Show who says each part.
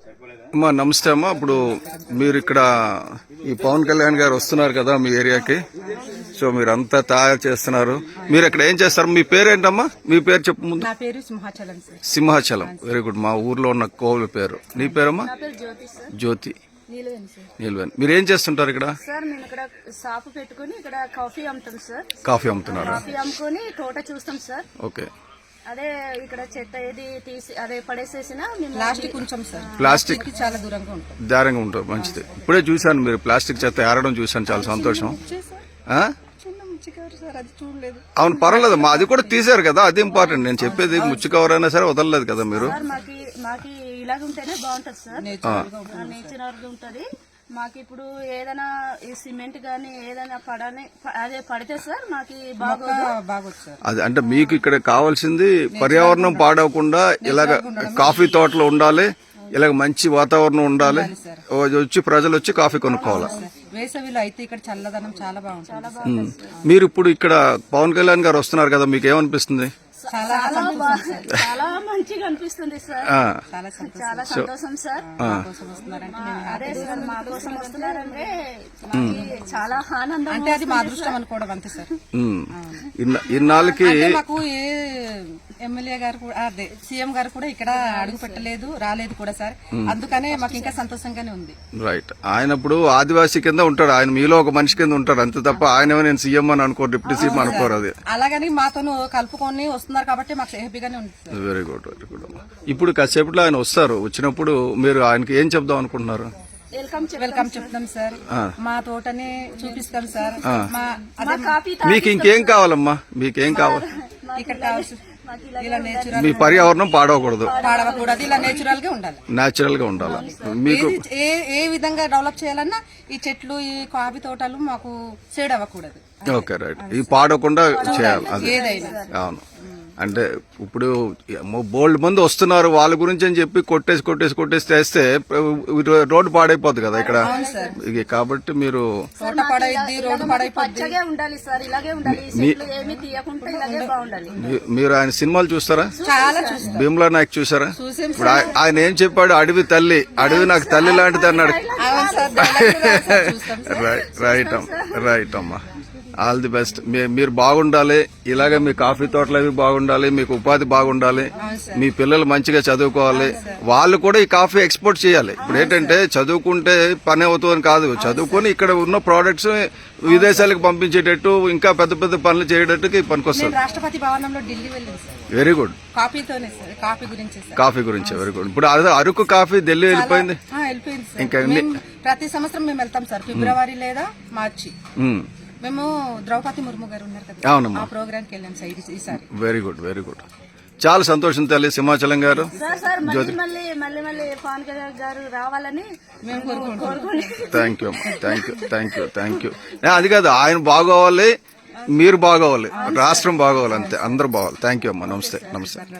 Speaker 1: అమ్మా నమస్తే అమ్మా. ఇప్పుడు మీరు ఇక్కడ ఈ పవన్ కళ్యాణ్ గారు వస్తున్నారు కదా మీ ఏరియాకి, సో మీరంతా తయారు చేస్తున్నారు. మీరు ఇక్కడ ఏం చేస్తారు? మీ పేరేంటమ్మా? మీ పేరు చెప్పు ముందు.
Speaker 2: నా పేరు Simhachalam sir.
Speaker 1: Simhachalam, very good. మా ఊర్లో ఉన్న కోవిల పేరు. నీ పేరమ్మా? జ్యోతి. నీలవేణి. మీరు ఏం చేస్తుంటారు ఇక్కడ?
Speaker 3: సార్ మేము ఇక్కడ షాపు పెట్టుకుని ఇక్కడ కాఫీ అమ్ముతాం సార్.
Speaker 1: కాఫీ అమ్ముతున్నారు.
Speaker 3: కాఫీ అమ్ముకొని తోట చూస్తాం సార్.
Speaker 1: ఓకే.
Speaker 3: అదే ఇక్కడ చెత్త ఏది తీసి అదే పడేసేసినా
Speaker 2: ప్లాస్టిక్ ఉంచాం సార్.
Speaker 1: ప్లాస్టిక్
Speaker 2: చాలా దూరంగా ఉంటాం.
Speaker 1: దారంగా ఉంటుంది, మంచిది. ఇప్పుడే చూశాను మీరు ప్లాస్టిక్ చెత్త ఏరడం చూశాను, చాలా సంతోషం. ఆ? అవును, పర్వాలేదు మా, అది కూడా తీశారు కదా, అది ఇంపార్టెంట్. నేను చెప్పేది ముచ్చు కవర్ అయినా సరే వదలలేదు కదా మీరు.
Speaker 3: మాకి ఇలాగ ఉంటేనే బాగుంటది సార్, నేచురల్ గా ఉంటది. మాకు ఇప్పుడు ఏదైనా ఈ సిమెంట్ గానీ ఏదైనా అదే పడితే సార్ మాకి బాగోదు సార్.
Speaker 1: అది అంటే మీకు ఇక్కడ కావాల్సింది పర్యావరణం పాడవకుండా ఇలాగ కాఫీ తోటలో ఉండాలి, ఇలాగ మంచి వాతావరణం ఉండాలి, వచ్చి ప్రజలు వచ్చి కాఫీ కొనుక్కోవాలి.
Speaker 2: వేసవిలో అయితే ఇక్కడ చల్లదనం చాలా బాగుంటుంది.
Speaker 1: మీరు ఇప్పుడు ఇక్కడ పవన్ కళ్యాణ్ గారు వస్తున్నారు కదా, మీకు ఏమనిపిస్తుంది?
Speaker 3: చాలా మంచిగా అనిపిస్తుంది సార్, చాలా సంతోషం సార్. అదే సార్ మా కోసం వస్తున్నారంటే చాలా ఆనందం.
Speaker 2: అంటే అది మా అదృష్టం అనుకోవడం అంతే సార్.
Speaker 1: ఇన్నాళ్ళకి
Speaker 2: మాకు ఏ ఎమ్మెల్యే గారు కూడా అదే సీఎం గారు కూడా ఇక్కడ అడుగు పెట్టలేదు, రాలేదు కూడా సార్. అందుకనే మాకు ఇంకా సంతోషంగానే ఉంది.
Speaker 1: రైట్. ఆయన ఇప్పుడు ఆదివాసీ కింద ఉంటాడు, ఆయన మీలో ఒక మనిషి కింద ఉంటాడు అంతే తప్ప ఆయన నేను సీఎం అని అనుకోరు, డిప్యూటీ సీఎం అనుకోరు. అది
Speaker 2: అలాగని మాతో కలుపుకొని వస్తున్నారు కాబట్టి మాకు హ్యాపీగానే ఉంది.
Speaker 1: Very good, very good. ఇప్పుడు కాసేపట్లో ఆయన వస్తారు, వచ్చినప్పుడు మీరు ఆయనకి ఏం చెప్దాం అనుకుంటున్నారు?
Speaker 2: వెల్కమ్ చెప్తాం సార్, మా తోటని చూపిస్తాం సార్.
Speaker 1: మీకు ఇంకేం కావాలమ్మా? మీకేం కావాలి?
Speaker 2: ఇక్కడ కావాల్సి ఇలా నేచురల్,
Speaker 1: మీ పర్యావరణం పాడవకూడదు,
Speaker 2: ఇలా నేచురల్ గా ఉండాలి,
Speaker 1: నేచురల్ గా ఉండాలి. మీకు
Speaker 2: ఏ విధంగా డెవలప్ చేయాలన్నా ఈ చెట్లు ఈ కాఫీ తోటలు మాకు సేడ్ అవ్వకూడదు.
Speaker 1: Okay, right. ఈ పాడకుండా చేయాలి అది.
Speaker 2: ఏదైనా
Speaker 1: అవును. అంటే ఇప్పుడు బోల్డ్ మంది వస్తున్నారు, వాళ్ళ గురించి అని చెప్పి కొట్టేసి తెస్తే రోడ్డు పాడైపోద్ది కదా ఇక్కడ. కాబట్టి మీరు మీరు ఆయన సినిమాలు చూస్తారా? భీమ్లా నాయక్ చూసారా? ఇప్పుడు ఆయన ఏం చెప్పాడు? అడవి తల్లి, అడవి నాకు తల్లి లాంటిది అన్నాడు. రైట్ అమ్మా, ఆల్ ది బెస్ట్. మీరు బాగుండాలి, ఇలాగే మీ కాఫీ తోటలు అవి బాగుండాలి, మీకు ఉపాధి బాగుండాలి, మీ పిల్లలు మంచిగా చదువుకోవాలి, వాళ్ళు కూడా ఈ కాఫీ ఎక్స్పోర్ట్ చేయాలి. ఇప్పుడు ఏంటంటే చదువుకుంటే పని అవుతుందని కాదు, చదువుకొని ఇక్కడ ఉన్న ప్రోడక్ట్స్ విదేశాలకు పంపించేటట్టు ఇంకా పెద్ద పెద్ద పనులు చేయడానికి పనికొస్తుంది.
Speaker 2: రాష్ట్రపతి భవనంలో ఢిల్లీ వెళ్ళింది సార్.
Speaker 1: Very good. కాఫీ గురించి వెరీ గుడ్. ఇప్పుడు అదే అరకు కాఫీ ఢిల్లీ వెళ్ళిపోయింది.
Speaker 2: ఇంకా ప్రతి సంవత్సరం మేము వెళ్తాం సార్, ఫిబ్రవరి లేదా మార్చి. మేము ద్రౌపది ముర్ము గారు ఉన్నారు కదా, ఆ ప్రోగ్రామ్ కి వెళ్ళాం సార్ ఈసారి.
Speaker 1: Very good, very good. చాలా సంతోషం తల్లి సింహాచలం గారు.
Speaker 3: మళ్ళీ పవన్ కళ్యాణ్ గారు రావాలని మేము కోరుకుంటున్నాం.
Speaker 1: Thank you. అది కాదు, ఆయన బాగోవాలి, మీరు బాగోవాలి, రాష్ట్రం బాగోవాలి, అంతే, అందరూ బాగోవాలి. థ్యాంక్ యూ అమ్మా. నమస్తే.